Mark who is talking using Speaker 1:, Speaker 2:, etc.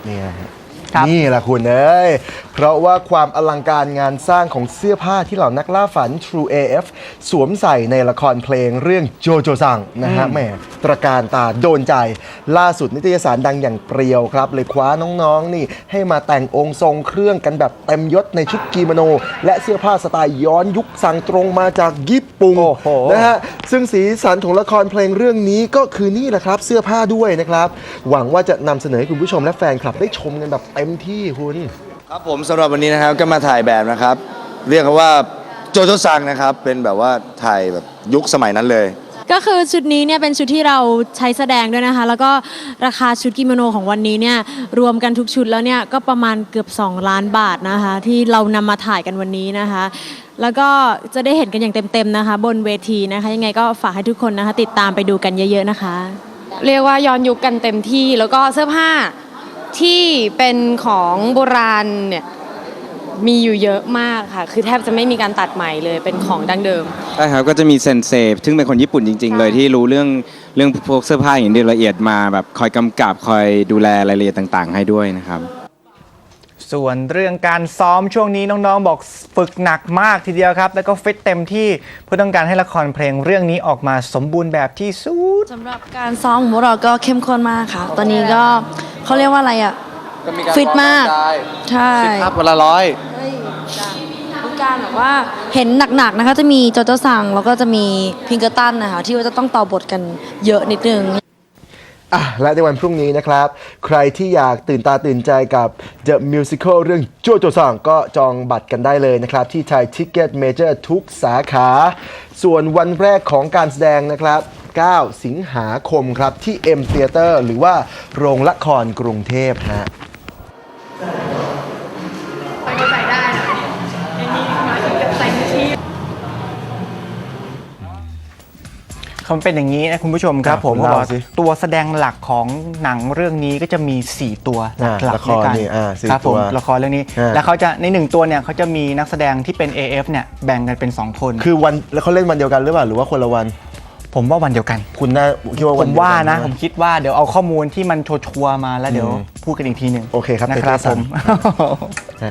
Speaker 1: นี่นี่แหละคุณเอ้ยเพราะว่าความอลังการงานสร้างของเสื้อผ้าที่เหล่านักล่าฝัน True AF สวมใส่ในละครเพลงเรื่องโจโจซังนะฮะแหมตระการตาโดนใจล่าสุดนิตยสารดังอย่างเปรียวครับเลยคว้าน้องๆนี่ให้มาแต่งองค์ทรงเครื่องกันแบบเต็มยศในชุดกิโมโนและเสื้อผ้าสไตล์ย้อนยุคสั่งตรงมาจากญี่ปุ่นนะฮะซึ่งสีสันของละครเพลงเรื่องนี้ก็คือนี่แหละครับเสื้อผ้าด้วยนะครับหวังว่าจะนำเสนอให้คุณผู้ชมและแฟนคลับได้ชมกันแบบเต็มที่คุณ
Speaker 2: ครับผมสำหรับวันนี้นะครับก็มาถ่ายแบบนะครับเรียกว่าโจโจซังนะครับเป็นแบบว่าถ่ายแบบยุคสมัยนั้นเลย
Speaker 3: ก็คือชุดนี้เนี่ยเป็นชุดที่เราใช้แสดงด้วยนะคะแล้วก็ราคาชุดกิโมโนของวันนี้เนี่ยรวมกันทุกชุดแล้วเนี่ยก็ประมาณเกือบ2 ล้านบาทนะคะที่เรานำมาถ่ายกันวันนี้นะคะแล้วก็จะได้เห็นกันอย่างเต็มๆนะคะบนเวทีนะคะยังไงก็ฝากให้ทุกคนนะคะติดตามไปดูกันเยอะๆนะคะ
Speaker 4: เรียกว่าย้อนยุคกันเต็มที่แล้วก็เสื้อผ้าที่เป็นของโบราณเนี่ยมีอยู่เยอะมากค่ะคือแทบจะไม่มีการตัดใหม่เลยเป็นของดั้งเดิม
Speaker 5: ใช่ครับก็จะมีเซนเซซึ่งเป็นคนญี่ปุ่นจริงๆเลยที่รู้เรื่องพวกเสื้อผ้าอย่างละเอียดมาแบบคอยกำกับคอยดูแลรายละเอียดต่างๆให้ด้วยนะครับ
Speaker 6: ส่วนเรื่องการซ้อมช่วงนี้น้องๆบอกฝึกหนักมากทีเดียวครับแล้วก็ฟิตเต็มที่เพื่อต้องการให้ละครเพลงเรื่องนี้ออกมาสมบูรณ์แบบที่สุด
Speaker 7: สำหรับการซ้อมของพวกเราก็เข้มข้นมากค่ะตอนนี้ก็เขาเรียกว่าอะไรอ่ะฟิตมากใช่
Speaker 2: 10 ภาพวันละ100
Speaker 7: มีการแบบว่าเห็นหนักๆนะคะจะมีโจโจซังแล้วก็จะมีพิงเกอร์ตันนะคะที่ว่าจะต้องต่อบทกันเยอะนิดนึง
Speaker 1: และในวันพรุ่งนี้นะครับใครที่อยากตื่นตาตื่นใจกับ The Musical เรื่องโจโจซังก็จองบัตรกันได้เลยนะครับที่ไทยทิกเก็ตเมเจอร์ทุกสาขาส่วนวันแรกของการแสดงนะครับ9 สิงหาคมครับที่ M Theater หรือว่าโรงละครกรุงเทพฮะ
Speaker 6: เขาเป็นอย่างนี้นะคุณผู้ชมครับผมบอกตัวแสดงหลักของหนังเรื่องนี้ก็จะมี4 ตัวหลักในการครับผมละครเรื่องนี้แล้วเขาจะใน1 ตัวเนี่ยเขาจะมีนักแสดงที่เป็น AF เนี่ยแบ่งกันเป็น2 คน
Speaker 1: คือวันแล้วเขาเล่นวันเดียวกันหรือเปล่าหรือว่าคนละวัน
Speaker 6: ผมว่าวันเดียวกัน
Speaker 1: คุณน่าคิดว่า
Speaker 6: ผมว่านะผมคิดว่าเดี๋ยวเอาข้อมูลที่มันชัวร์มาแล้วเดี๋ยวพูดกันอีกทีหนึ่ง
Speaker 1: โอเคครับ
Speaker 6: นะครับผม